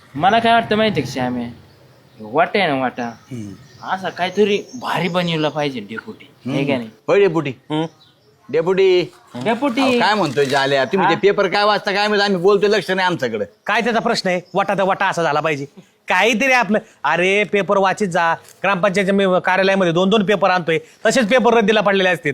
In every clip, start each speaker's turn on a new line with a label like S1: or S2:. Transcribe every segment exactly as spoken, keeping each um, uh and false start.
S1: मला काय वाटतं माहितीये का श्यामे, वाटा आहे ना वाटा, असा काहीतरी भारी बनवला पाहिजे डेपुटी, हे का नाही?
S2: होय डेपुटी. डेपुटी
S1: डेपुटी
S2: काय म्हणतोय जाल्या तुम्ही ते पेपर काय वाचता काय माहिती, आम्ही बोलतोय लक्ष नाही आमच्याकडे.
S3: काय त्याचा प्रश्न आहे? वाटा तर वाटा असा झाला पाहिजे काहीतरी आपलं. अरे पेपर वाचित जा. ग्रामपंचायतच्या मी कार्यालयामध्ये दोन दोन पेपर आणतोय, तसेच पेपर रद्दीला पडलेले असतात.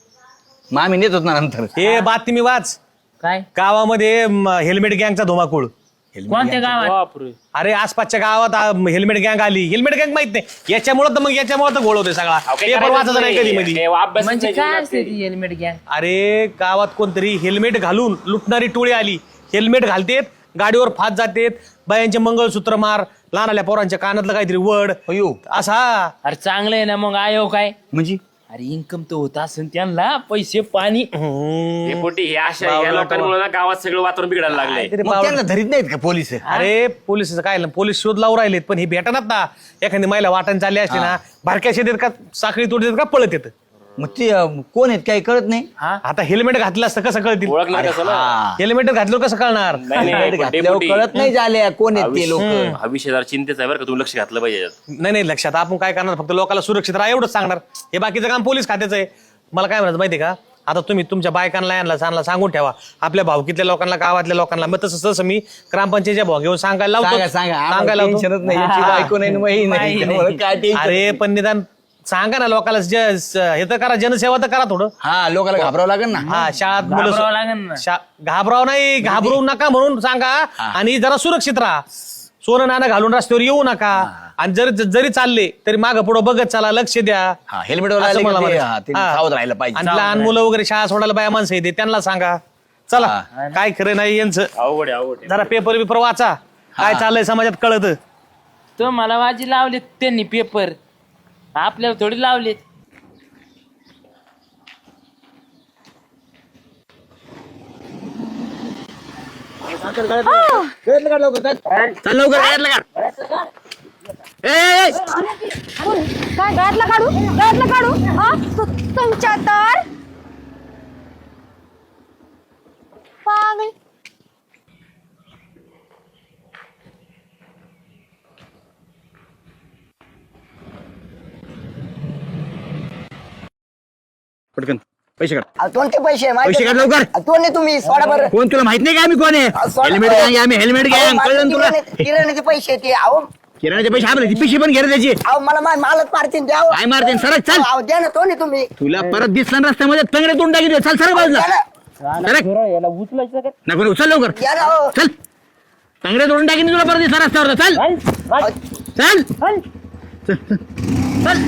S2: मग आम्ही नेत होत ना नंतर.
S3: हे बातमी वाच.
S1: काय
S3: गावामध्ये म, हेल्मेट गँगचा धुमाकूळ.
S1: कोणत्या गावात?
S3: अरे आसपासच्या गावात आ, हेल्मेट गँग आली. हेल्मेट गँग माहित नाही याच्यामुळे तर मग याच्यामुळे तर घोळ होतोय सगळा. पेपर वाचायचा नाही कधी मध्ये.
S1: म्हणजे काय असते ती हेल्मेट गॅंग?
S3: अरे गावात कोणतरी हेल्मेट घालून लुटणारी टोळी आली. हेल्मेट घालतेत, गाडीवर फात जातेत, बायांचे मंगळसूत्र मार, लहानाल्या पोरांच्या कानातलं काहीतरी वड
S2: अयो
S3: असा.
S1: अरे चांगलं आहे ना मग. आयो काय
S2: म्हणजे
S1: अरे इन्कम तर होत असेल त्यांना, पैसे पाणी.
S4: डेपुटी हे अशा या लोकांमुळे ना गावात सगळं वातावरण बिघडायला लागलंय.
S3: काहीतरी
S2: मग
S3: पावलं.
S2: त्यांना धरीत नाहीत का पोलीस?
S3: अरे पोलिसचं काय झालं, पोलीस शोध लावून राहिलेत पण हे भेटणार ना. एखादी महिला वाटण चालली असते ना, भारक्या शेतीत का साखळी तोडतात का पळत येत.
S2: मग ते अं, कोण आहेत काही कळत नाही.
S3: आता हेल्मेट घातलं असतं कसं कळतील?
S4: ओळखणार कसं ना?
S2: हा.
S3: हेल्मेट घातलं कसं कळणार?
S4: नाही, नाही,
S2: हेल्मेट
S4: पण
S2: घातल्यावर
S4: डेपुटी,
S2: कळत नाही झाल्या कोण आहेत ते लोक.
S4: हा विषय जरा चिंतेचा आहे बरं का, तुम्ही लक्ष घातलं पाहिजे याच्यात.
S3: नाही नाही लक्षात आपण काय करणार, फक्त लोकांना सुरक्षित राहा एवढंच सांगणार. हे बाकीचं काम पोलीस खात्याचं आहे. मला काय म्हणायचं माहिती का, आता तुम्ही तुमच्या बायकांना यांना सांगला सांगून ठेवा, आपल्या भावकीतल्या लोकांना, गावातल्या लोकांना. मग तसं तसं मी ग्रामपंचायतच्या भाव घेऊन सांगायला
S2: सांगा
S3: लावतो.
S2: सांगा आम्हाला
S3: सांगायला लावतो.
S2: टेन्शनच नाही, याची बायको नाही वही नाही, त्यामुळे काय टेन्शन
S3: अरे
S2: नाही.
S3: पण निदान सांगा ना लोकांना, ज- स- हे तर करा, जनसेवा तर करा थोडं.
S2: हा लोकांना घाबरावं लागेल ना.
S3: हा शाळात
S1: घाबरावं
S3: मुलं
S1: लागेल ना.
S3: शा- घाबराव नाही, घाबरू नका म्हणून सांगा. आणि जरा सुरक्षित राहा. सोनं नाणं घालून रस्त्यावर येऊ नका. आणि जरी जरी चालले तरी मागं पुढं बघत चला, लक्ष द्या.
S2: हा हेल्मेट वाला
S3: असं
S2: आले
S3: मला
S2: का ते,
S3: म्हणायचं.
S2: हा, ते
S3: हा.
S2: सावध राहायला पाहिजे.
S3: आणि लहान मुलं वगैरे शाळा सोडायला बाया माणसं येते त्यांना सांगा. चला काय खरं नाही यांचं.
S4: अवघड आहे अवघड आहे.
S3: जरा पेपर बिपर वाचा, काय चाललंय समाजात कळत.
S1: तो मला वाजी लावलेत त्यांनी पेपर, आपल्याला थोडी लावलेत.
S2: चल लवकर घरातलं काढ. ए, ए, ए.
S5: काय गळ्यातलं काढू गळ्यातलं काढू हा तु- तुमच्या तर पागल.
S2: पटकन पैसे काढ.
S6: अहो, कोणते पैसे माहिती
S2: पैसे काढ लवकर.
S6: अहो, कोण आहे तुम्ही सोडा बरं.
S2: कोण तुला माहित नाही का आम्ही कोण आहे?
S6: सोडा.
S2: हेल्मेट गँग आम्ही हेल्मेट
S6: अहो,
S2: गँग
S6: माझे
S2: कळलं ना तुला?
S6: किराणे- किराण्याचे पैसे ते अहो
S2: किराण्याचे पैसे आपले ती पिशी पण घे रे त्याची.
S6: अहो मला मा- मालच मारतील द्या
S2: काय मारते सरक चल.
S6: अहो द्या ना तो नाही तुम्ही
S2: तुला परत दिसला ना रस्त्यामध्ये तंगडे तोंड टाकी चल सरक बाजूला.
S6: द्या ना.
S2: सरक
S1: याला उचलायचं का?
S2: नको नको, चल लवकर
S6: द्या ना हो.
S2: चल. तंगडे तोडून टाकीन तुला परत दिसला रस्त्यावर. चल
S6: अहो,
S2: चल चल चल. चल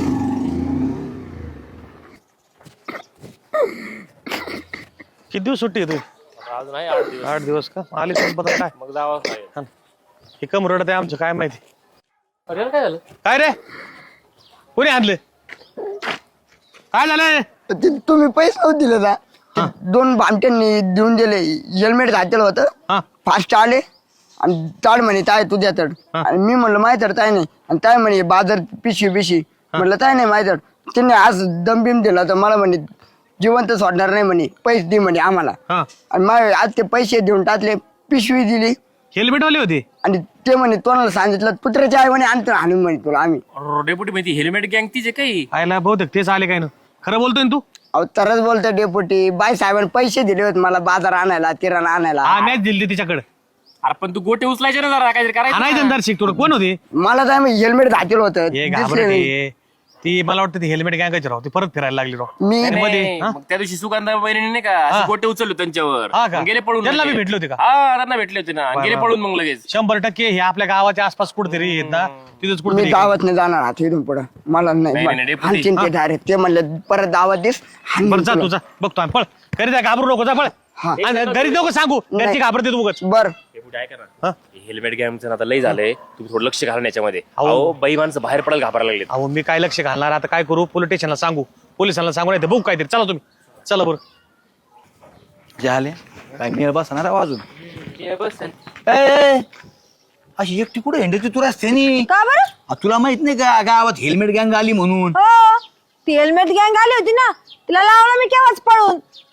S3: किती दिवस सुट्टी आहे तू?
S4: अजून आहे आठ दिवस.
S3: आठ दिवस का? आले संपत काय?
S4: मग जावंच लागेल.
S3: हे कम रडत आहे आमचं काय माहिती.
S4: अरे काय झालं?
S3: काय रे कोणी आणलं? काय झालं?
S6: ते तुम्ही पैसे नव्हते दिले ना ते दोन भामट्यांनी देऊन दिले. हेल्मेट घातलेलं होतं,
S3: हा
S6: फास्ट आले आणि ताड म्हणे ताय तू द्या तड. आणि मी म्हणलं माहिती तर ताय नाही. आणि ताय म्हणे बाजार पिशी पिशी म्हणलं ताय नाही माहिती. त्यांनी आज दमबिम दिला तर मला म्हणे जिवंत सोडणार नाही म्हणे, पैसे दे म्हणे आम्हाला.
S3: हा
S6: आणि मग आज ते पैसे देऊन टाकले, पिशवी दिली
S3: हेल्मेट वाले होते.
S6: आणि ते म्हणे तोंडाला सांगितलं कुत्र्याच्या आई म्हणे आणतो आणून म्हणे तुला आम्ही.
S4: अरे, डेपुटी माहिती हेल्मेट गँग तीच काही.
S3: आयला बहुतेक तेच आले काय ना. खरं बोलतोय ना तू?
S6: अहो तरच बोलतो डेपुटी. बाई साहेबांनी पैसे दिले होते मला बाजार आणायला, किराणा आणायला.
S3: हा मॅच दिली तिच्याकडे.
S4: अरे पण तू गोटे उचलायचे ना जरा काहीतरी करायचं
S3: आणायचं
S4: ना.
S3: अंदार शिक थोडं. कोण होते?
S6: मला तर हेल्मेट घातलेलं होतं
S3: हे
S6: दिसले
S3: घाबरट
S6: नाही.
S3: आहे. ती मला वाटतं ती हेल्मेट गँगाची राव. ती परत फिरायला लागली राव.
S6: मी
S3: आणि मध्ये
S4: नाही,
S3: हा?
S4: मग त्या दिवशी सुगंधा बहिणी नाही का असे गोटे उचलले त्यांच्यावर
S3: हा का?
S4: मग गेले पळून.
S3: त्यांना
S4: लगेच.
S3: बी भेटले होते का?
S4: हा त्यांना भेटले होते ना
S3: वा,
S4: गेले
S3: वा.
S4: पळून मग लगेच.
S3: शंभर टक्के हे आपल्या गावाच्या आसपास कुठेतरी येत ना, तिथंच
S6: मी
S3: कुठेतरी.
S6: दावत नाही जाणार आता इथून पुढं. मला
S4: नाही, नाही,
S6: नाही
S4: डेपुटी.
S6: हाणतील ते डायरेक्ट. ते म्हणले परत दावत दिस हाणीन
S3: बरं जा
S6: तुला.
S3: तुझा बघतो आम्ही. पळ घरी जा, घाबरू नको, जा पळ.
S6: हा.
S3: आणि घरी नको सांगू, घरची
S6: नाही.
S3: घाबरते तू उगाच.
S6: बर
S4: डेपुटी ऐका
S3: हा?
S4: ना हेल्मेट गँगचं आता लय झालंय, तुम्ही थोडं लक्ष घालून याच्यामध्ये.
S3: अहो.
S4: अहो बाई माणसं बाहेर पडायला घाबरायला लागले.
S3: अहो मी काय लक्ष घालणार आता? काय करू? पोलीस स्टेशनला सांगू, पोलिसांना सांगू, नाही तर बघू काहीतरी. चला तुम्ही, चला बरं.
S2: झाले काय मेळ बसणार वाजून.
S1: हे बस.
S2: ए, ए, अशी एकटी कुठे हिंडती तू रस्त्यानी?
S5: का बरं?
S2: आ, तुला माहित नाही का गावात हेल्मेट गँग आली म्हणून?
S5: हो ती हेल्मेट गँग आली होती ना, तिला लावलं मी केव्हाच पळून.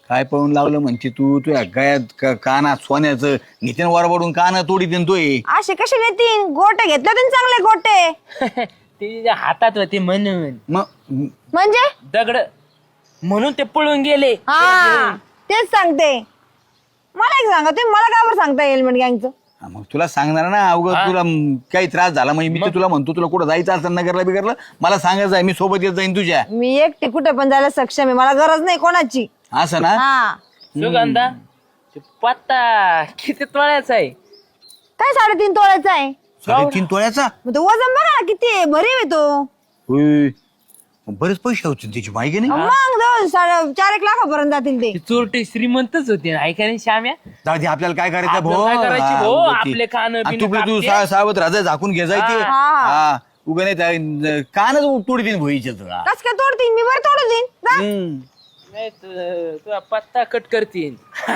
S7: काय पळून लागलं म्हणते तू तुझ्या गळ्यात का- कानात सोन्याचं नितीन वरबडून कान तोडी देन तोय
S5: असे कसे नेतीन गोटे घेतले तुम्ही चांगले गोटे
S1: ते तिच्या हातात होते म्हणून
S7: मग
S5: म्हणजे
S1: दगड म्हणून ते पळून गेले.
S5: हा तेच सांगते. मला एक सांगा तुम्ही मला का बरं सांगता हेल्मेट गँगचं?
S7: हा, मग तुला सांगणार ना अवघड तुला म, काही त्रास झाला म्हणजे मी तर तुला म्हणतो तुला कुठं जायचं असं नगरला बिगरलं मला सांगायचं आहे मी सोबत येत जाईन तुझ्या
S5: मी एकटी कुठे पण जायला सक्षम आहे, मला गरज नाही कोणाची.
S7: असं ना
S5: हा
S1: सुगंधा ते पत्ता किती तोळ्याचा आहे?
S5: काय साडेतीन तोळ्याचा आहे?
S7: साडेतीन तोळ्याचा
S5: मग तो वजन बघा ना किती आहे, भरीव आहे तो.
S7: होय. बरेच पैसे होते त्याची माहिती नाही
S5: मग जवळ साडे चार एक लाखापर्यंत जातील ते.
S1: ती चोरटे श्रीमंतच होते ऐका नाही श्याम्या.
S7: जाऊ दे, आपल्याला काय करायचं
S1: आपल्याला
S7: भाऊ
S1: काय करायची
S7: हा,
S1: भाऊ?
S7: उगाच ती.
S1: आपले कानं
S7: आणि
S1: बिनं
S7: तू तू
S1: कापते.
S7: सा- सावध राजा झाकून घे जायचे
S5: हा.
S7: हा उगा नाही त्या- कानच तोडीन भोईचे तुला
S5: कस काय तोडतील मी बरं तोडून देईन जा.
S7: हम्म.
S1: नाही तु- तुझा पत्ता कट करतील.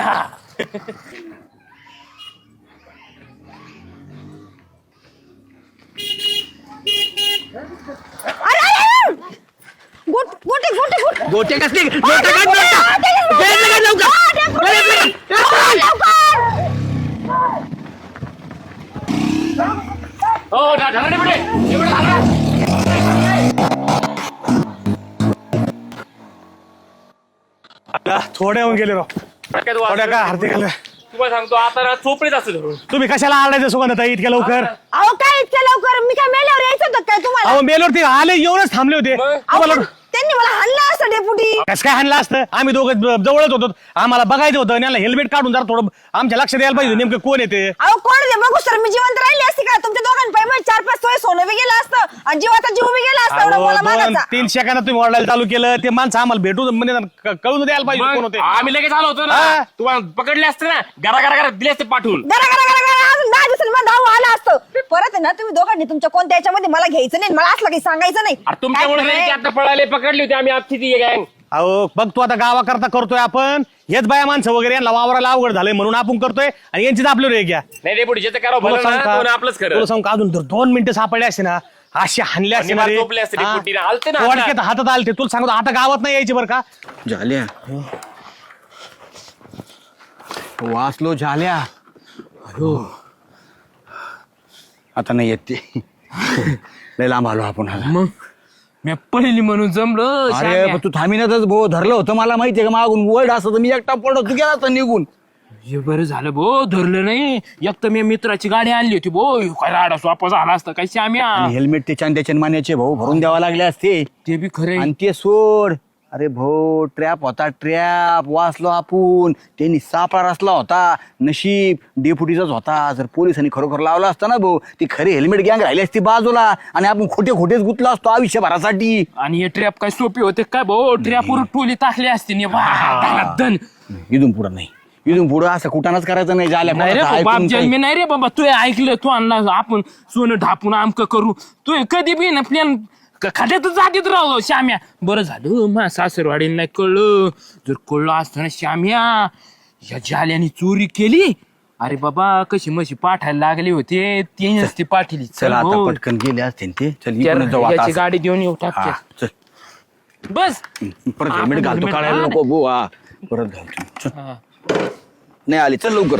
S5: अरे, अरे, अरे! गोट गोटे गोटे गोटे
S2: गोटे कसले गोटे काढ नका. गेलं का लवकर?
S4: हो ढा- ढाला पुढे एवढं ढाला.
S3: आता थोडे होऊन गेले राव
S4: डोक्यात वास
S3: थोड्या काय हरते घाल
S4: तुम्हाला सांगतो आता ना चोपडीच असं धरून
S3: तुम्ही कशाला आरडायचं सुगंधताई इतक्या लवकर
S5: अहो काय इतक्या लवकर मी काय मेल्यावर यायचं होतं काय तुम्हाला?
S3: अहो मेलवरती आले येऊनच थांबले होते
S4: मग?
S5: अहो,
S3: तुम्हाला
S5: त्यांनी मला हाणलं असं डेपुटी.
S3: कसं काय हाणलं असतं आम्ही दोघं ज- जवळच होतो आम्हाला बघायचं होतं आणि याला हेल्मेट काढून जरा थोडं आमच्या लक्षात यायला पाहिजे नेमकं कोण येते
S5: अहो कोण ते बघू सर मी जिवंत राहिली असती का? तुमच्या दोघांपाई मग चार पाच तोळे सोनं बी गेलं असतं आणि जीवाचा जीव बी गेला असता एवढा
S3: अहो,
S5: मला
S3: दोन
S5: मागायचा.
S3: तीन सेकंदात तुम्ही ओरडायला चालू केलं ते माणसं आम्हाला भेटू म्हणजे क- कळून द्यायला पाहिजे कोण
S4: मग
S3: होते
S4: आम्ही लगेच आलो होतो ना
S3: हा.
S4: तुम्हाला पकडले असते ना घरा घरा घरा दिले असते पाठवून
S5: गरा गरा गरा गरा अजून दहा दिवसांनी मला धाव आला असतं. परत आहे ना तुम्ही दोघांनी तुमच्या कोणत्या याच्यामध्ये मला घ्यायचं नाही मला असलं काही सांगायचं नाही.
S4: अरे तुमच्यामुळे
S5: काय
S4: नाही की
S5: खरंय?
S4: आता पळाले पकडली होती आम्ही आमची ती गँग
S3: अहो बघ तू आता गावाकरता करतोय आपण हेच बाया माणसं वगैरे यांना वावराला अवघड झालंय म्हणून आपण करतोय आणि यांचीच आपलं रे घ्या
S4: नाही रे पुढे जे करावं
S3: तुला
S4: भलं
S3: सांगू
S4: ना
S3: का?
S4: कोण आपलंच खरं
S3: तुला सांगू का अजून जर दोन मिनिटं सापडले असते ना अशी हानले असते
S4: आणि
S3: ना रे.
S4: मला झोपले असते रे
S3: हा.
S4: पोटीने. आलते ना हातात.
S3: पोटक्यात हातात आलते तुला सांगतो आता गावात नाही यायचे बरं का
S7: झाल्या वाचलो झाल्या अयो आता नाही येत ते लय लांब आलो आपण आता.
S1: मग मी पहिली म्हणून जमलो
S7: अरे
S1: श्याम्या.
S7: पण तू थांबिनातच भो धरलं होतं मला माहितीये का मागून वर्ड असतं तर मी एकटा पडलो तू गेला तर निघून
S1: हे बरं झालं भो धरलं नाही. एक तर मी मित्राची गाडी आणली होती भो ह्यो काय राडा स्वापा झाला असता काय श्याम्या.
S7: हेल्मेट ते चांद्याचे मान्याचे भाऊ भरून द्यावा लागले असते
S1: ते बी खरे
S7: आणि ते सोड अरे भाऊ ट्रॅप होता ट्रॅप वाचलो आपण त्यांनी सापळा रचला होता नशीब डेपुटीचाच होता जर पोलिसांनी खरोखर लावला असता ना भाऊ ती खरी हेल्मेट गँग राहिली असती बाजूला आणि आपण खोटे खोटेच गुतलो असतो आयुष्यभरासाठी
S1: आणि हे ट्रॅप काय सोपे होते काय भाऊ ट्रॅपवर टोली टाकली असती नि बा, धन.
S7: इथून पुढं नाही इथून पुढं असं कुठानच करायचं नाही झाल्या
S1: नाही रे
S7: कोणाचं
S1: बाप
S7: ऐकून
S1: जन्मी
S7: काही.
S1: नाही रे बाबा तू ऐकलं तू आणला आपण सोनं ढापून आमक करू तू कधी बी ना प्लॅन खात्यातच जातीत राहू श्याम्या. बरं झालं मा सासरवाडीला नाही कळलं जर कळलं असताना श्याम्या या जाल्याने चोरी केली अरे बाबा कशी मशी पाठायला लागले होते ते नसते पाठीली
S7: चल आता
S1: भाऊ.
S7: पटकन गेले असते ते चल
S1: त्या
S7: इकडून जाऊ आता
S1: याची
S7: असं.
S1: गाडी देऊन येऊ
S7: हा,
S1: टाक
S7: चल
S1: बस
S7: परत
S1: आपण
S7: हेल्मेट घालतो
S1: helmet
S7: काढायला
S1: घाल.
S7: नको भाऊ हा परत घालतो चल.
S1: हा.
S7: नाही आली चल लवकर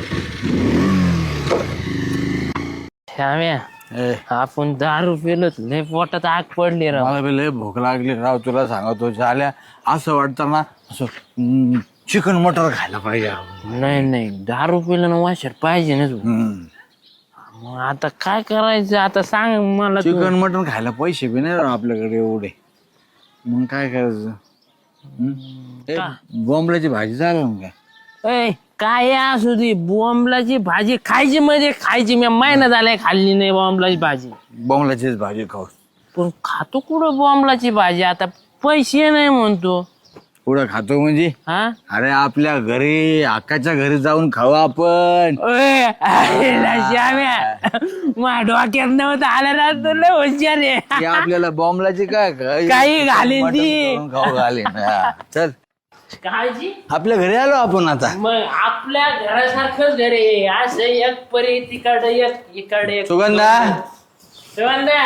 S1: श्याम्या
S7: ए,
S1: आपण दारू पेलो लय पोटात आग पडली राव.
S7: मला बी लय भूक लागली राव तुला सांगतो झाल्या असं वाटतं ना असं चिकन मटर खायला पाहिजे राव.
S1: नाही नाही दारू पिलं ना वाशर पाहिजे ना तू.
S7: हम्म.
S1: मग आता काय करायचं आता सांग मला तू.
S7: चिकन मटन खायला पैसे बी नाही राव आपल्याकडे एवढे मग काय करायचं हम्म? ए, बोंबलाची भाजी चालेल ना काय
S1: ए, काय असू दे बोंबलाची भाजी खायची म्हणजे खायची मी महिना झालाय खाल्ली नाही बोंबलाची भाजी
S7: बोंबलाचीच भाजी खाऊ
S1: पण खातो कुठं बोंबलाची भाजी आता पैसे नाही म्हणतो
S7: पुढं खातो म्हणजे
S1: हा
S7: अरे आपल्या घरी आकाच्या घरी जाऊन खाऊ आपण
S1: ओय, आईला श्याम्या माझ्या डोक्यात नव्हतं आलं ना तर लय हुशार आहे.
S7: ती आपल्याला बॉम्बलाची काय काय-
S1: काही घालीन
S7: मटण
S1: ती.
S7: करून खाऊ घालीन हा. चल
S1: काळजी
S7: आपल्या घरी आलो आपण आता
S1: मग आपल्या घरासारखंच घर आहे असं एक परी तिकडे एक इकडे एक.
S7: सुगंधा
S1: सुगंधा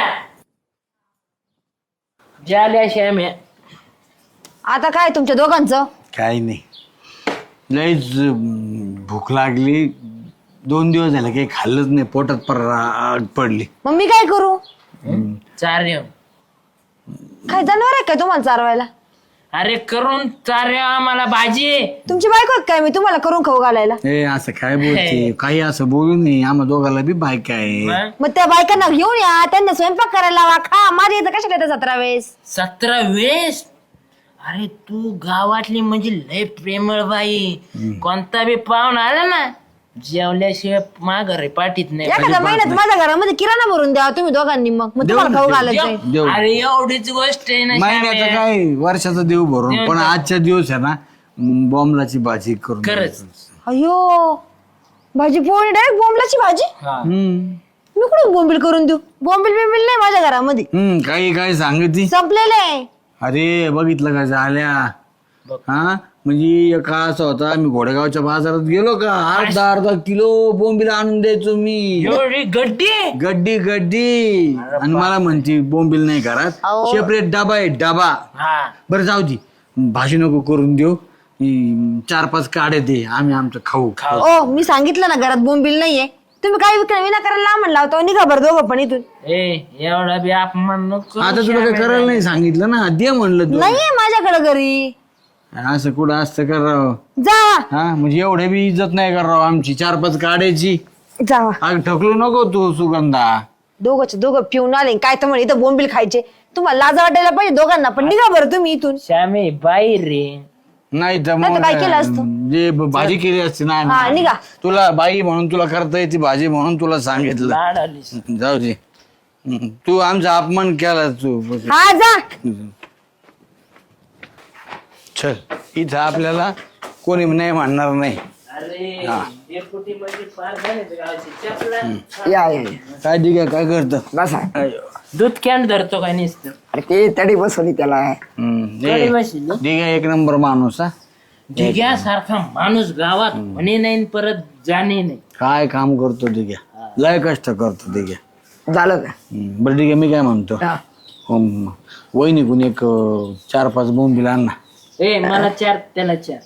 S1: झाल्या श्याम्या
S5: आता काय तुमच्या दोघांचं?
S7: काही नाही लईच अं, भूक लागली. दोन दिवस झाले काही खाल्लंच नाही, पोटात पर आग पडली.
S5: मग मी काय करू?
S1: चार येऊ.
S5: काय जनावर आहे काय तुम्हाला चारवायला?
S1: अरे करून चार आम्हाला भाजी.
S5: तुमची बायको आहे काय मी तुम्हाला करून खाऊ घालायला?
S7: ए असं काय बोलते, काही असं बोलू नये. आम्हा दोघाला बी बायका आहे.
S1: मग
S5: मग त्या बायकांना घेऊन या, त्यांना स्वयंपाक करायला लावा, खा. माझ्या इथं कशा येतात सतरा वेळेस?
S1: सतरा वेळेस? अरे तू गावातली म्हणजे लय प्रेमळ बाई. कोणता बी पाहुणा आला ना जेवल्याशिवाय माघारी पाठीत नाही.
S5: एखाद्या महिन्यात माझ्या घरामध्ये किराणा भरून द्या तुम्ही दोघांनी, मग मग तुम्हाला खाऊ घालायचंय.
S7: देऊ.
S1: अरे एवढीच गोष्ट आहे ना
S7: महिन्याचं
S1: श्याम्या.
S7: काय वर्षाचं देऊ भरून,
S1: देऊ
S7: पण
S1: ना.
S7: आजच्या दिवस आहे ना बॉम्बलाची भाजी करून
S1: खरंच.
S7: द्यायचं.
S5: अयो भाजी पोळी डायरेक्ट बोंबलाची भाजी.
S1: हा.
S7: हम्म.
S5: मी कुठून बोंबील करून देऊ? बोंबील बिंबील नाही माझ्या घरामध्ये,
S7: हम्म काही काय सांगती.
S5: संपलेलं आहे.
S7: अरे बघितलं का झाल्या हा म्हणजे एक काळ असा होता, मी घोडेगावच्या बाजारात गेलो का अर्धा अर्धा किलो बोंबीला आणून द्यायचो मी.
S1: एवढी गड्डी.
S7: गड्डी गड्डी. आणि मला म्हणती बोंबील नाही घरात,
S5: अहो.
S7: सेपरेट डबा आहे डबा.
S1: हा.
S7: बरं जाऊ दे, भाजी नको करून देऊ, ही चार पाच काढे दे, आम्ही आमचं खाऊ.
S5: ओ मी सांगितलं ना घरात बोंबील नाहीये. तुम्ही काय विकणार विनाकारण लांब लावतो. निघा बरं दोघं पण इथून.
S1: ए एवढा बी अपमान नको.
S7: आता तुला काय करायला नाही सांगितलं ना, दे म्हणलं तू.
S5: नाहीये माझ्याकडे घरी.
S7: असं कुठं असतं करावं?
S5: जा
S7: हा म्हणजे एवढे बी इज्जत नाही करावं आमची, चार पाच काढायची.
S5: जावा.
S7: आग ठकलू नको तू सुगंधा.
S5: दोघंच दोघं पिऊन आले काय तर म्हणे इथं बोंबील खायचे. तुम्हाला लाज वाटायला पाहिजे दोघांना पण. निघा बरं तुम्ही इथून.
S1: श्यामे बाई रे.
S7: नाही तर
S5: नाही तर
S7: मग
S5: काय केलं असतं?
S7: जे ब- भाजी केली असती ना
S5: हा,
S7: आम्ही.
S5: निघा.
S7: तुला बाई म्हणून तुला करता येते भाजी म्हणून तुला सांगितलं.
S1: लाड आलीस.
S7: जाऊ दे. हम्म. तू आमचा अपमान केला तू.
S5: हा जा.
S7: चल इथं आपल्याला कोणी नाही म्हणणार नाही.
S1: अरे डेपुटी म्हणजे फार झाले गावची चपला.
S6: या या, या.
S7: काय ठीक आहे, काय करतं?
S6: बसा.
S1: दूध कॅन धरतो काय नुसतं.
S6: अरे ते तडी बसवली त्याला.
S7: हम्म.
S1: गाडी
S7: ए,
S1: बसली.
S7: ठीक आहे, एक नंबर माणूस हा.
S1: ढिग्यासारखा माणूस गावात म्हणे नाही परत जाणे नाही.
S7: काय काम करतो ठीक आहे, लय कष्ट करतो ठीक आहे.
S6: झालं का?
S7: हम्म. बरं ठीक आहे, मी काय म्हणतो,
S6: हा.
S7: हम्म. वहिनीकून एक अं, चार पाच बोंबील आण ना.
S1: ए मला चार त्याला चार.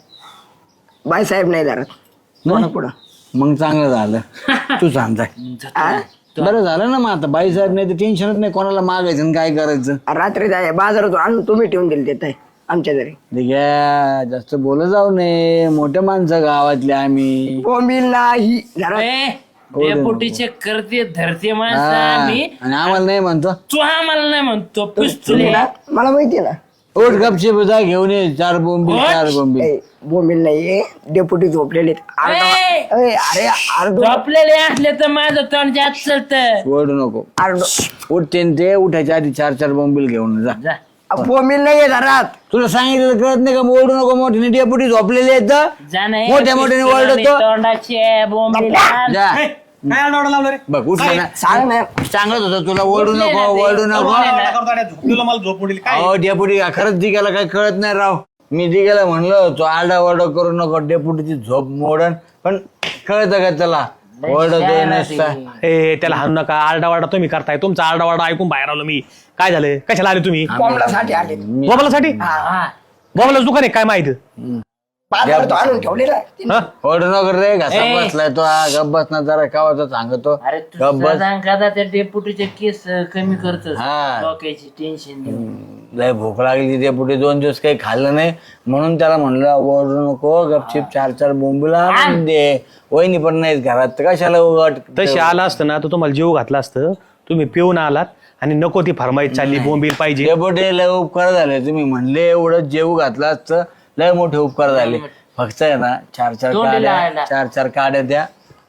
S6: बाई साहेब नाही धरत.
S7: नाही?
S6: पुढं
S7: मग चांगलं झालं, तू सांग जाय.
S6: आ?
S7: बरं झालं ना, मग आता बाई साहेब नाही तर टेन्शनच नाही कोणाला मागायचं आणि काय करायचं.
S6: रात्री जाय बाजारातून आणून तुम्ही ठेवून दिले देत आहे आमच्या घरी.
S7: ठीक आहे, जास्त बोलत जाऊ नये, मोठ्या माणसं गावातले आम्ही.
S6: बोंबील नाही जरा.
S1: ए डेपुटीचे करते धरते माणसं
S7: हा,
S1: आम्ही.
S7: आणि आम्हाला नाही म्हणतो.
S1: तू आम्हाला नाही म्हणतो पिस्तुले.
S6: ना, मला माहिती आहे ना.
S7: ओट गपचे जा घेऊन ये चार बोंबील चार बोंबील.
S6: ए, बोंबील नाहीये, डेपुटी झोपलेले आहेत. अर्धा- ए, अरे अर्ध
S1: झोपलेले असले तर माझं तोंड जात चलत.
S7: ओढू नको.
S6: अर्ध
S7: उठते न ते उठायच्या आधी चार चार बोंबील घेऊन जा.
S1: जा
S6: बोंबील नाहीये घरात.
S7: तुला सांगितलं कळत नाही का? ओढू नको, मोठे डेपुटी झोपलेले आहेत.
S1: जा नाही.
S7: मोठ्या मोठ्याने ओरडतो.
S1: तोंडाचे बोंबीला.
S7: जा
S3: काय आरडाओरडा लावलं रे?
S7: बघ उठलं ना.
S6: सांग ना.
S7: सांगत होता तुला ओढू नको ओढू नको.
S3: झोपलेलं मला झोप मोडली काय?
S7: अहो डेपुटी खरंच दिघाला काय कळत नाही राव. मी दिघाला म्हणलं तो आरडा ओरडा करू नको, डेपुटीची झोप मोडन, पण कळत का त्याला? ओरडतोय नसता.
S3: ए त्याला हाणू नका, आरडावारडा तुम्ही करताय. तुमचा आरडावारडा ऐकून बाहेर आलो मी. काय झालं? कशाला आले तुम्ही?
S6: बोंबलासाठी आले.
S3: बोबलासाठी?
S1: हा.
S3: बोबलाच दुकान आहे काय माहित?
S6: बाजारात आणून ठेवलेला आहे.
S3: हा?
S7: ओढू नको रे, घसा
S1: ए.
S7: बसलाय तो. हा, गप बस ना जरा, कावाचा सांगतो.
S1: अरे
S7: गप बस.
S1: तुझा त्या डेपुटीचे केस कमी करतो.
S7: हा.
S1: डोक्याची टेन्शन घेऊन.
S7: लय भूक लागली डेपुटी, दोन दिवस काही खाल्लं नाही म्हणून त्याला म्हणलं ओढू नको, गपचिप चार चार बोंबीला आणून दे. वहिनी पण नाहीत घरात, तर कशाला उघड.
S3: तशी आला असतं ना तर तुम्हाला जीव घातला असतं. तुम्ही पिऊन आलात आणि नको ती फरमाईश चालली बोंबील पाहिजे.
S7: डेपुटी लय उपकार झाले, तुम्ही म्हणले एवढं जेव घातलं असतं, लय मोठे उपकार झाले. फक्त आहे ना चार चार
S1: तोंडी
S7: काड्या,
S1: लावायला.
S7: चार चार काड्या द्या,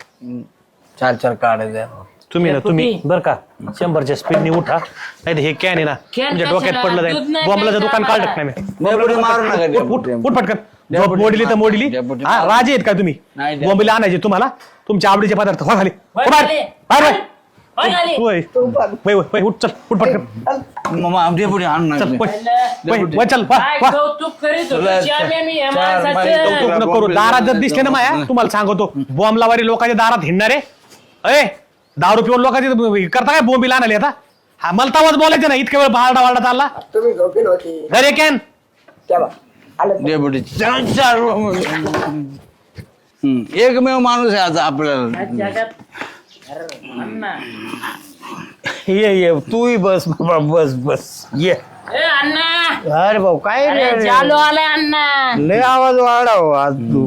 S7: चार चार काड्या द्या.
S3: तुम्ही ना तुम्ही बर का शंभरच्या स्पीडने उठा, नाही तर हे कॅन आहे ना
S1: कॅन
S3: तुमच्या डोक्यात
S1: कशाला?
S3: पडलं
S1: दूध
S3: जाईल.
S1: नाही
S3: बॉम्बलाचं
S1: प्यायचं
S3: दुकान
S1: आम्हाला.
S3: काढत नाही मी.
S7: डेपुटी मारू नका,
S3: उठ, उठ,
S7: डेपुटी.
S3: उठ पटकन. झोप
S7: डेपुटी
S3: मोडली तर मोडली.
S7: डेपुटी
S3: हा राजे आहेत का तुम्ही?
S7: नाही, डेपुटी.
S3: बॉम्बेला आणायचे तुम्हाला तुमच्या आवडीचे पदार्थ. हो खाली
S1: वय
S3: हो बाहेर.
S1: खाली.
S3: बाहेर, बाहेर.
S1: वय खाली.
S3: वय. वय, वय, वय, उठ चल उठ पटकन
S7: मग डेपुटी आणून
S3: चल
S7: नका.
S3: वय, वय, वय, चल वा,
S1: काय
S3: वा.
S1: कौतुक करीत होतो
S7: तुला
S1: श्याम्या मी या
S7: चार
S1: माणसाचं.
S7: बाई
S3: कौतुक नको करू. दारात जर दिसले ना माया तुम्हाला सांगतो, बॉम्ब लावारी लोकांच्या दारात हिंडणारे. अरे दारू पिऊन लोकांचे करता काय बोंबीला आणाले आता? हा मला तवाच बोलायचं ना, इतक्या वेळ बारडा वारडा चालला.
S6: तुम्ही झोपेल होते
S3: घरे कॅन
S6: तेव्हा
S7: डेपुटी चार चार हम्म, एकमेव माणूस आहे आता आपल्याला
S1: जगात अरे अण्णा
S3: ये ये तूही बस बाबा बस बस ये
S1: ए अण्णा
S3: अरे भाऊ काय
S1: अरे
S3: रे?
S1: चालू आलाय अण्णा
S3: लय आवाज वाढाव आज तू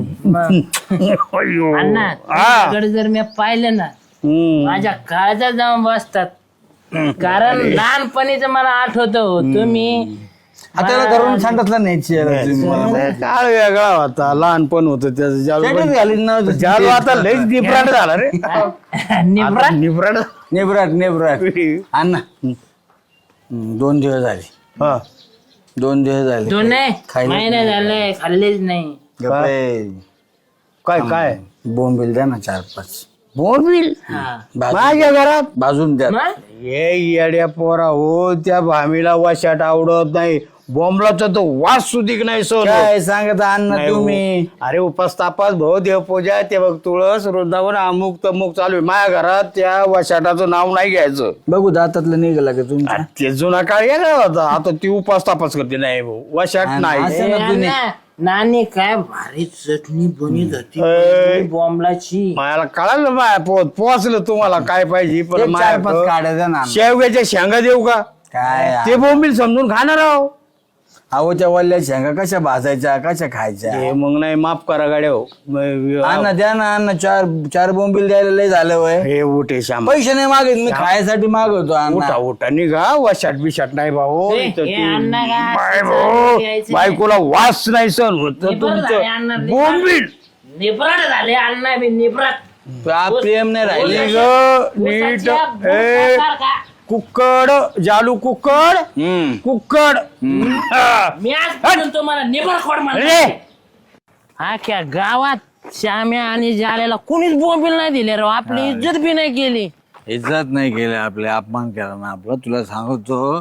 S3: अय्यो.
S1: अण्णा
S3: हा.
S1: तुझ्याकडे जर मी पाहिलं ना
S3: हम्म.
S1: माझ्या काळजात जाऊन बसतात कारण लहानपणीच मला आठवत तुम्ही
S7: आता करून सांगितलं नाही
S3: काळ वेगळा होता लहानपण होतं त्याचं जालू
S7: घालीन ना
S3: जालू आता लयच डिफरंट झाला रे
S1: निब्रा
S3: डिफरंट
S7: नेबराट नेबराट अण्णा हम्म, दोन दिवस झाले
S3: हा
S7: दोन दिवस झाले
S1: दोन नाही
S7: खायला-
S1: महिने झाले खाल्लेच नाही
S7: गप्पे.
S3: काय काय
S7: बोंबील द्या ना चार पाच
S3: बोंबील
S1: हा.
S7: भाजून-
S3: माझ्या घरात
S7: भाजून द्या
S1: मग?
S3: ये येड्या पोरा हो त्या भामीला वाशाट आवडत नाही बोंबलाचा तो वास सुधिक नाही सोन
S7: काय सांगत अण्णा
S3: नाही हो.
S7: तुम्ही
S3: अरे उपासतापास भाऊ देवपूजा ते बघ तुळस वृंदावन अमुक तमुक चालू आहे माझ्या घरात त्या वशाटाचं नाव नाही घ्यायचं
S7: बघू दातातलं निघाला का तुमच्या
S3: अरे ते जुना काळ वेगळा होता आता ती उपास तापास करते नाही भाऊ वशाट
S7: आणि
S3: नाही
S7: असं-
S1: ए,
S7: ना जुने.
S1: अण्णा, नानी काय भारी चटणी बनवत होती
S3: ए.
S1: बॉम्बलाची
S3: मला कळालं माया पोत पोचलं तुम्हाला काय पाहिजे पण
S7: एक चार पाच
S3: माया
S7: काढ्या द्या ना अण्णा.
S3: शेवग्याच्या शेंगा देऊ का
S7: काय
S3: ते बोंबील समजून खाणार आहो
S7: अहो त्या वल्ल्या शेंगा कशा भाजायच्या कशा खायच्या
S3: हे मग नाही माफ करा गाड्या हो
S7: अण्णा द्या ना अण्णा चार चार बोंबील द्यायला लय झालं वय
S3: हे उठे श्याम
S7: पैसे नाही मागत मी खायसाठी मागवतो
S3: उठा
S7: अण्णा
S3: उठा निघा वशाट बिशाट नाही भाऊ
S1: ए,
S3: इथं
S1: हे
S3: ती-
S1: अण्णा काय
S3: बाय
S1: असं
S3: भाऊ
S1: घ्यायचं
S3: बायकोला वास नाही सण होत
S1: निब्रट झाले अण्णा,
S3: तुमचं
S1: निब्रट.
S3: बोंबील
S1: निब्रट झाले अण्णा बी निब्रट
S7: तुला प्रेम नाही राहिले
S3: ग नीट ए कुक्कड जालू कुक्कड
S7: हम्म
S3: कुक्कड हा.
S1: मी आज तुम्हाला निब्रट खोड
S3: रे.
S1: म्हणले हा क्या गावात श्याम्या आणि जाल्याला कोणीच बोंबील नाही दिले राव आपली इज्जत बी नाही केली
S7: इज्जत नाही केली आपले अपमान केला ना आपला तुला सांगतो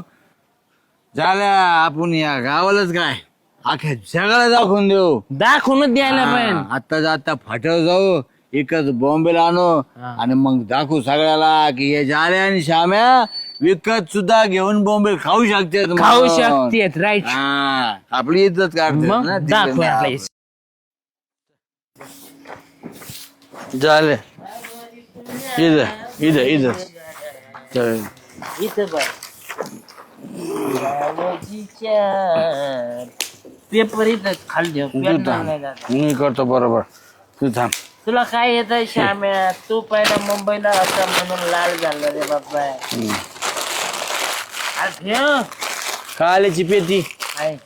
S7: झाल्या आपण या गावालाच काय अख्या जगाला दाखवून देऊ
S1: दाखवूनच द्यायला पाहिजे
S7: आता जाता फाट्यावर जाऊ एकच बॉम्बेला आणू आणि मग दाखवू सगळ्याला की हे झाले आणि श्याम्या विकत सुद्धा घेऊन बॉम्बे खाऊ शकते
S1: खाऊ शकतेत राईट
S7: आपली इज्जत काढते
S1: मग
S7: ना
S1: दाखव आपल्या
S7: झाले इथं इथं इथं चल.
S1: इथं बघ पेपर इथं खाली
S7: तू थांब मी करतो बरोबर तू थांब
S1: तुला काय येत श्याम्या तू पहिला मुंबईला होता म्हणून लाल झाला रे बाबा अरे ठेव.
S7: काल्याची पेटी
S1: आहे.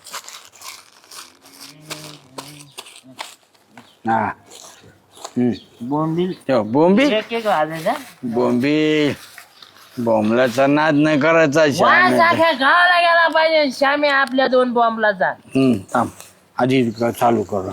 S7: हा हम्म.
S1: बोंबील
S7: ठेव बोंबील
S1: एक एक वाजायचा
S7: बोंबील बोंबलाचा नाद नाही करायचा
S1: वास
S7: श्याम्या.
S1: अख्या गावाला गेला पाहिजे श्याम्या आपल्या दोन बॉम्बला जा
S7: हम्म थांब आधी क- चालू कर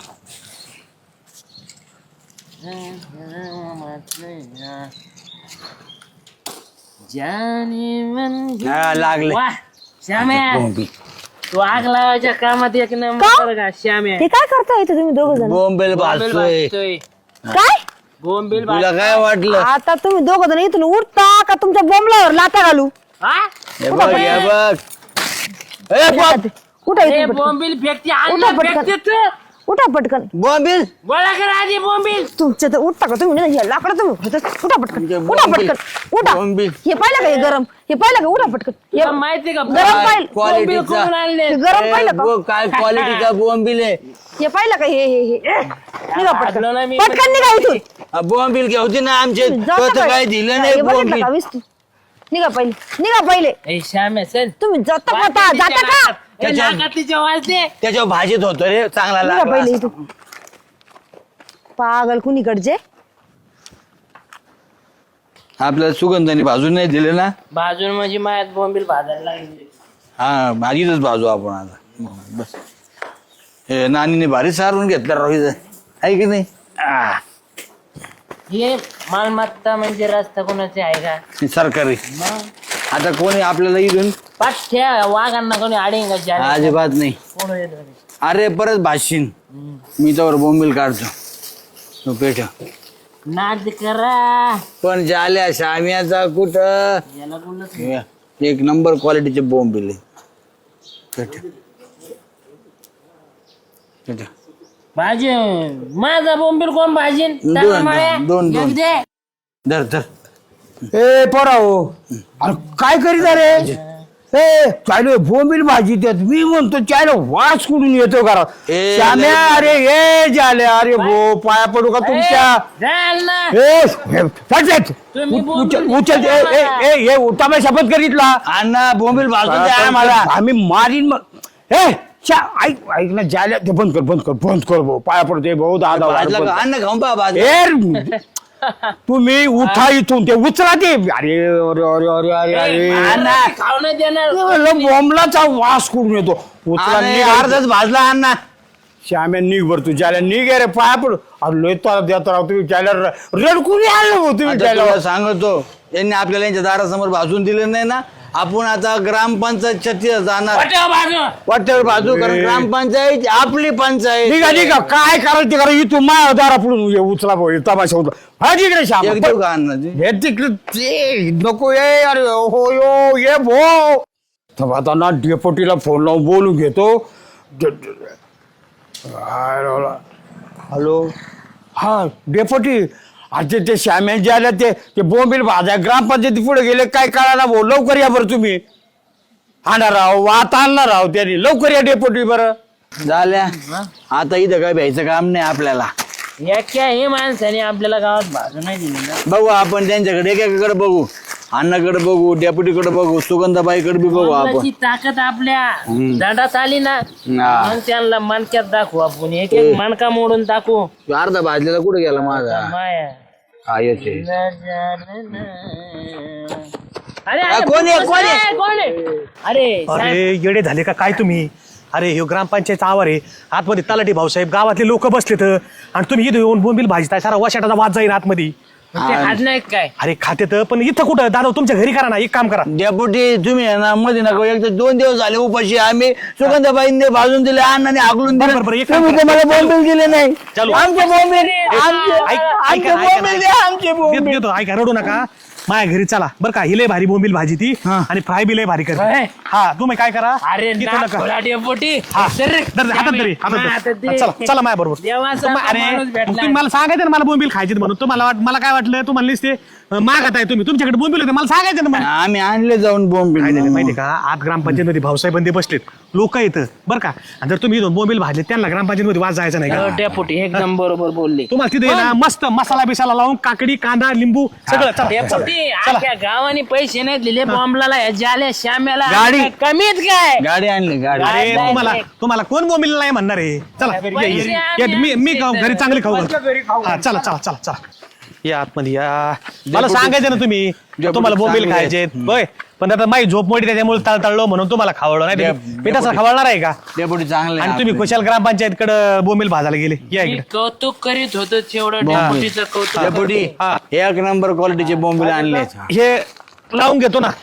S1: जाने मन
S7: हा, लागले
S1: वा श्याम्या
S7: बोंबील
S1: तू आग लावायच्या कामात एक नंबर का श्याम्या
S5: ते काय करता इथे तुम्ही दोघ जण
S7: बोंबील
S1: बोंबील
S7: भाजतोय
S1: भाजतोय.
S5: काय
S1: बोंबील
S7: तुला
S1: भाजतोय.
S7: काय वाटलं
S5: आता तुम्ही दोघ जण इथून उठता का तुमच्या बोंबलावर लाथा घालू
S1: हा?
S7: हे बघ हे बघ ए, बाप.
S5: उठा
S1: ए,
S5: इथून पटकन.
S1: बोंबील फेकते
S5: उठा
S1: अन्न
S5: पटकन.
S1: फेकते तू
S5: उठा पटकन
S7: बोंबील
S1: गोळा कर आधी बोंबील
S5: तुमच्या तर उठता का तुम्ही नाही लाकडं तुम्ही उठा पटकन
S7: म्हणजे
S5: उठा
S7: बोंबील.
S5: पटकन उठा
S7: बोंबील.
S5: हे पाहिलं का हे गरम हे पाहिलं का उठा पटकन हे
S1: तुला माहिती का
S5: गरम पाहिलं
S1: बोंबील
S7: क्वालिटीचा.
S1: करून आणले
S5: हे गरम पाहिलं
S7: ए,
S5: का
S7: बघ, काय क्वालिटीचा बोंबील आहे
S5: हे पाहिलं का हे हे हे निघा
S1: भाजलो ना
S5: पटकन
S1: मी.
S5: पटकन निघा इथून
S7: हा, बोंबील घेऊते ना आमचे
S5: जाता
S7: तो तर
S5: काय?
S7: काय दिलं
S5: हे
S7: नाही
S5: बघितलं
S7: बोंबील
S5: का विस्तू निघा पहिले निघा पहिले
S1: ए श्याम्या चल
S5: तुम्ही जाता का जाता का
S7: त्याच्या-
S1: नाकातलीच्या वाज दे
S7: त्याच्यावर भाजीत होतो रे चांगला
S5: निघा
S7: लागला
S5: पहिले इथून पागल कुणीकडचे
S7: आपल्याला सुगंधाने भाजून नाही दिले ना
S1: भाजून म्हणजे मायात बोंबील भाजायला लागली
S7: हा भाजीतच भाजू आपण आता बस हे नानीने भारी सारून घेतलं रोहित आहे की नाही आ,
S1: हे मालमत्ता म्हणजे रस्ता कोणाचे आहे का
S7: हे सरकारी
S1: मग
S7: आता कोणी आपल्याला इथून
S1: पाठ्या वाघांना कोणी आडेंगा जाले
S7: अजिबात नाही
S1: कोण येत नाही.
S7: अरे परत भाषीन मी त्यावर बोंबील काढतो तो पेठ
S1: नाद करा
S7: पण झाल्या शाम्याचा कुठं
S1: याला बोलत
S7: हे, एक नंबर क्वालिटीचे बोंबील आहे पेठ
S2: भाजी माझा बोंबील कोण भाजी
S7: दोन दोन दोन धर धर
S8: ए पोराओ अरे काय करीत रे ए चायलो बोंबील भाजी देत मी म्हणतो चायलो वास कुठून येतो घरात
S7: ए,
S8: श्याम्या अरे हे झाले अरे भो पाया पडू का तुमच्या ए हे, फटफट.
S2: तुम्ही
S8: उ-
S2: बोंबील
S8: उचल उचल ए ए ए हे उतामे शपथ करीतला
S7: अण्णा बोंबील भाजून द्या मला.
S8: आम्ही मारीन मग ए चा ऐक ऐक ना जाल्या ते बंद कर बंद कर बंद कर भाऊ पाया पडते भाऊ दादा
S7: भाजला का? अण्णा खाऊन पहा भाज
S8: ए तुम्ही उठा इथून ते उचला ते अरे अरे अरे अरे अरे अरे
S2: खाऊ नाही देणार
S8: म्हणलं बोंबलाचा वास कुठून येतो उचला
S7: अरे,
S8: निघ
S7: अर्धाच भाजला अण्णा.
S8: श्याम्या निघ बर तू ज्याला निघ रे पाया पड अरे लय तर देत राव तुम्ही त्याला रडकुनी आलं हो तुम्ही
S7: आता
S8: त्याला
S7: तुला सांगतो यांनी आपल्याला यांच्या दारासमोर भाजून दिलं नाही ना आपण आता ग्रामपंचायतच्या तिथं जाणार वाटेवर बाजू कारण ग्रामपंचायत आपली पंचायत
S8: निघा निघा काय करायचं ते करा इथून माया दारा पडून ये उचला भाऊ तमाशा होता हा तिकडे श्याम
S7: एक देऊ का अण्णा ते?
S8: हे तिकडे ते नको ये अरे हो यो ये भो तर आता ना डेपोटीला फोन लावून बोलून घेतो हॅलो हा डेपोटी अरे ते श्याम्या जे आल्या ते ते बोंबील भाज्या ग्रामपंचायती पुढे गेले काय कळायला भाऊ लवकर या बरं तुम्ही आणा राव वात आणला राव त्यांनी लवकर या डेपोटी बरं
S7: झाल्या आता इथं काय भ्यायचं काम नाही आपल्याला
S2: एका हे माणसाने आपल्याला गावात भाजू नाही दिली ना
S7: बघू आपण त्यांच्याकडे एकेकडे बघू अण्णाकडे बघू डेप्युटीकडे बघू सुगंधाबाईकडे बी बघू आपण
S2: बोंबलाची ताकद आपल्या दंडात आली ना
S7: हा.
S2: मग त्यांना मणक्यात दाखवू आपण एक एक मणका मोडून दाखवू
S7: अर्धा भाजलेला कुठे गेला माझा
S2: माया
S7: हा येते
S2: अरे
S7: आ,
S2: अरे,
S7: कोण आहे,
S2: बस
S7: कोण आहे?
S2: आहे, कोण आहे? अरे साहेब,
S3: अरे येडे झाले का काय तुम्ही अरे हे ग्रामपंचायतचा आवार आहे आतमध्ये तलाठी भाऊसाहेब गावातले लोक बसलेत आणि तुम्ही इथं येऊन बोंबील भाजताय सारा वशाटाचा वाद जाईल आतमध्ये
S2: ते हात नाही काय
S3: अरे खाते तर पण इथं कुठं दादा तुमच्या घरी करा ना एक काम करा
S7: डेप्युटी तुम्ही आहे ना मध्ये नका एक तर दोन दिवस झाले उपाशी आम्ही सुगंधाबाईंनी भाजून दिले अण्णाने आगलून
S3: बरं,
S7: दिले
S3: बरं, बरं, एक काम
S7: तुम्ही
S3: करा.
S7: तर मला बोंबील दिले नाही
S3: चालू.
S7: आमचे बोंबील आमचे
S3: ऐक-
S7: आमचे
S3: ऐका ना, ऐका
S7: बोंबील
S3: ना.
S7: द्या आमचे
S3: देतो
S7: बोंबील
S3: देतो ऐका रडू नका माझ्या घरी चला बरं का हिले भारी बोंबील भाजी ती
S7: हा.
S3: आणि फ्राय बी लय भारी कर
S2: होय.
S3: हा तुम्ही काय करा
S2: अरे
S3: इथं नका.
S2: डेपोटी
S3: हा. धर, धर, हातात धर, हातात धर. चला चला माझ्या बरोबर
S2: देवाचा
S3: अरे
S2: माणूस भेटला.
S3: तुम्ही मला सांगायचं ना मला बोंबील खायचे म्हणून तुम्हाला वाट- मला काय वाटलं तुम्हाला नुसते अं, मागत आहे तुम्ही तुमच्याकडे बोंबील होते मला सांगायचं ना मला
S7: आम्ही आणले जाऊन बोंबील
S3: काय झालं माहिती का आज ग्रामपंचायत मध्ये भाऊसाहेब बंदे बसलेत लोक येतं बरं का आणि जर तुम्ही इथून बोंबील भाजले त्यांना ग्रामपंचायत मध्ये वाद जायचा नाही
S2: हो,
S3: का
S2: डेपुटी एकदम बरोबर बोलले
S3: तुम्हाला तिथे आहे ना मस्त मसाला बिसाला लावून काकडी कांदा लिंबू सगळं चला, चला
S2: डेपुटी अख्ख्या गावाने पैसे नाही दिले बॉम्बला जाल्या श्याम्याला
S7: गाडी.
S2: काय कमीत काय
S7: गाडी आणली गाडी
S3: अरे
S2: नाही,
S3: तुम्हाला
S2: नाही.
S3: तुम्हाला कोण बोंबील नाही म्हणणार आहे चला ये, ये,
S2: पैसे
S3: ये,
S2: आम्ही
S3: मी मी
S2: आणले
S3: घरी
S2: तर.
S3: चांगली खाऊ घालतो. हा चला चला चला चला या आतमध्ये या मला सांगायचं ना तुम्ही तुम्हाला बोंबील
S7: चांगले
S3: खायचे होय पण आता माझी झोप मोठी त्याच्यामुळे तळतळलो म्हणून तुम्हाला खावडलं नाही तर मी- मी तसं खावडणार आहे का
S7: डेप्युटी चांगले
S3: आणि तुम्ही कुशाल ग्रामपंचायत कडे बोंबील भाजायला गेले या
S2: मी
S3: इकडे
S2: कौतुक करीत होतो तेवढं
S7: बॉम्बे.
S2: डेपुटीचं कौतुक
S7: डेप्युटी
S3: हा.
S7: एक नंबर क्वालिटीचे बोंबील आणले
S3: हे लावून घेतो ना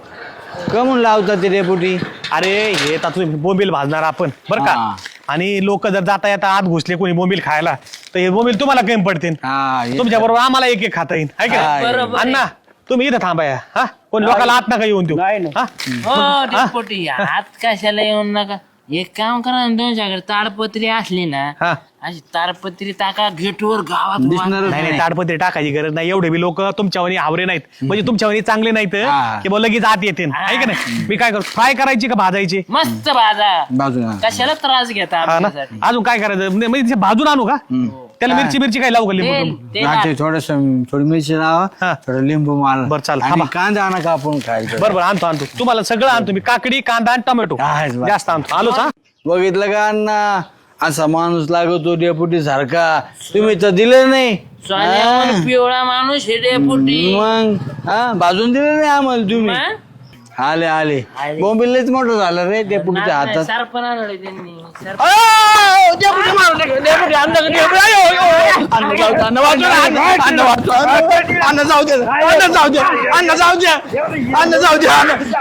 S7: कमून लावतात ते डेप्युटी
S3: अरे हे आता तुम्ही बोंबील भाजणार आपण बरं का
S7: हा.
S3: आणि लोक जर जाता येता आत घुसले कोणी बोंबील खायला तर हे बोंबील तुम्हाला कमी पडतील
S7: हा हे-
S3: तुमच्या बरोबर आम्हाला एक एक खाता येईल है का
S7: हा,
S2: बरोबर आहे.
S3: अण्णा तुम्ही इथं थांबा या हा कोण लोकांना आत नका येऊन देऊ हा?
S2: हो डेपुटी हात कशाला येऊन नका एक काम करा ना दोनच्याकडे ताडपत्री असली ना
S3: हा.
S2: अशी ताडपत्री टाका गेटवर गावात
S7: दिसणारच
S3: नाही नाही ताडपत्री टाकायची गरज नाही एवढे बी लोक तुमच्यावानी आवरे नाहीत म्हणजे तुमच्यावानी चांगले नाहीत
S7: हा.
S3: की बा लगेच आत येते आहे का नाही मी काय करू फ्राय करायची का भाजायची
S2: मस्त बाजा
S7: बाजूला
S2: कशाला त्रास घेता
S3: हा ना
S2: आमच्यासाठी
S3: अजून काय करायचं म्हणजे म्हणजे ते भाजून आणू का त्याला मिरची मिरची काय लावू का लिंबू
S2: तेल
S3: लिंबू?
S2: तेल
S7: थोडस थोडी मिरची
S3: हा.
S7: लावा थोडं लिंबू मार
S3: बरं, चालेल.
S7: आणि
S3: थांबा.
S7: कांदा आणा का आपण खायचं
S3: बरं बरं आणतो आणतो तुम्हाला सगळं आणतो मी काकडी कांदा आणि टोमॅटो
S7: हा, हेच बरं.
S3: जास्त आणतो आलोच हा
S7: बघितलं का अण्णा असा माणूस लागतो डेपुटी सारखा तुम्ही तर दिलं नाही
S2: सोन्यावर
S7: हा.
S2: पिवळा माणूस हे डेपुटी
S7: मग हा बाजून दिलं नाही आम्हाला तुम्ही
S2: मग?
S7: आले आले
S2: आले.
S7: बोंबिलच मोठं झालं रे डेपुटीच्या हातात
S2: सरपण आणलं त्यांनी सरपण.
S7: आ, डेपुटी मारू नका, डेपुटी आणलं का, डेपुटी, आयो, आयो, आयो. अन्न जाऊ दे, अन्न वाचू दे, अन्न, अन्न वाचू, अन्न, अन्न जाऊ दे अन्न जाऊ दे अन्न जाऊ दे अन्न जाऊ दे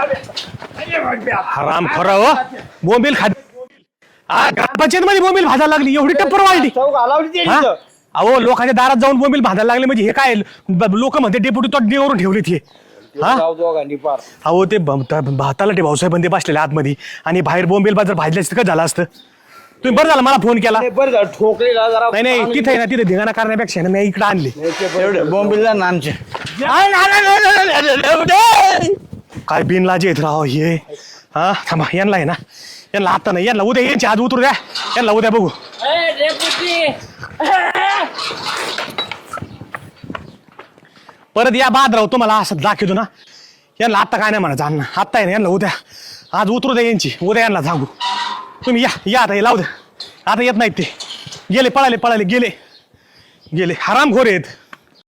S7: अन्न
S3: हराम खरा हो बोंबील खा ग्रामपंचायत मध्ये बोंबील भाजायला लागली एवढी टप्पर वाढली हा? अहो लोकांच्या दारात जाऊन बोंबील भाजायला लागले म्हणजे हे काय लोक म्हणते डेप्युटी तो देवरून ठेवले ते हा? अहो ते ब- त- भाताला ते भाऊसाहेब बंदे बसलेले आतमध्ये आणि बाहेर बोंबील जर भाजले असतं का झालं असतं तुम्ही बरं झालं मला फोन केला
S8: बरं झालं ठोकलेला जरा
S3: नाही नाही तिथे आहे ना तिथे धिंगाणा करण्यापेक्षा ना मी इकडे आणले
S7: एवढे बॉम्बिलला ना आमचे
S3: काय बिनलाजे आहेत राव हे हा थांबा यांना आहे ना यांना आता नाही यांना उद्या यांची आज उतरू द्या यांना उद्या बघू
S2: ए, डेपुटी
S3: परत या बाद राहू तुम्हाला असं दाखवतो ना यांना आत्ता काय नाही म्हणायचं अण्णा आत्ता आहे ना यांना उद्या आज उतरू द्या यांची उद्या यांना सांगू तुम्ही या या आता हे लावू द्या आता येत नाहीत ते गेले पळाले पळाले गेले गेले हरामखोर आहेत